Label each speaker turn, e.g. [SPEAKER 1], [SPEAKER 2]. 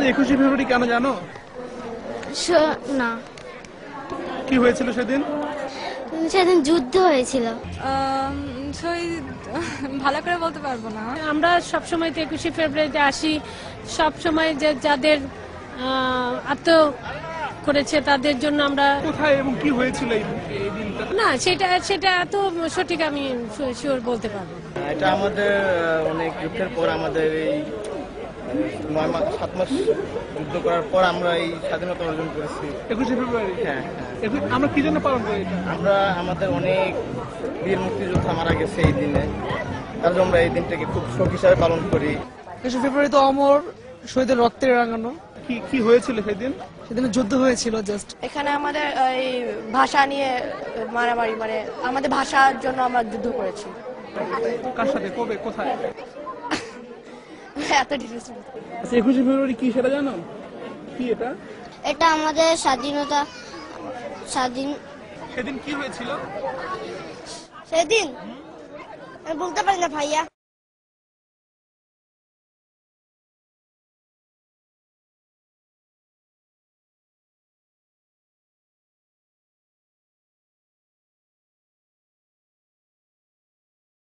[SPEAKER 1] 21শে ফেব্রুয়ারি কেন জানো?
[SPEAKER 2] না,
[SPEAKER 1] কি হয়েছিল সেদিন?
[SPEAKER 2] সেদিন যুদ্ধ হয়েছিল।
[SPEAKER 3] ভালো করে বলতে পারবো না।
[SPEAKER 4] আমরা সবসময় 21শে ফেব্রুয়ারিতে আসি, সবসময় যে যাদের আত্ম করেছে তাদের জন্য আমরা।
[SPEAKER 1] কোথায় এবং কি হয়েছিল এই দিনটা?
[SPEAKER 4] না, সেটা এত সঠিক আমি শিওর বলতে পারবো না।
[SPEAKER 5] এটা আমাদের অনেক যুদ্ধের পর, আমাদের এই 7 মাস যুদ্ধ করার পর আমরা এই স্বাধীনতা অর্জন করেছি।
[SPEAKER 1] 21শে ফেব্রুয়ারি?
[SPEAKER 5] হ্যাঁ,
[SPEAKER 1] আমরা কি জন্য পালন করি এটা?
[SPEAKER 5] আমরা আমাদের অনেক বীর মুক্তিযোদ্ধা মারা গেছে এই দিনে, তার জন্য আমরা এই দিনটাকে খুব শোক হিসাবে পালন করি।
[SPEAKER 6] 21শে ফেব্রুয়ারি তো অমর শহীদের রক্তে রাঙানো।
[SPEAKER 1] কি হয়েছিল সেদিন?
[SPEAKER 6] সেদিন যুদ্ধ হয়েছিল। জাস্ট
[SPEAKER 7] এখানে আমাদের এই ভাষা নিয়ে মারামারি, মানে আমাদের ভাষার জন্য আমরা যুদ্ধ করেছি।
[SPEAKER 1] কার সাথে, কবে, কোথায়?
[SPEAKER 7] এত ডিটেইলস।
[SPEAKER 1] 21শে ফেব্রুয়ারি কি সেটা জানো? কি এটা?
[SPEAKER 2] এটা আমাদের স্বাধীন
[SPEAKER 1] সেদিন কি হয়েছিল?
[SPEAKER 2] সেদিন আমি বলতে পারি না ভাইয়া।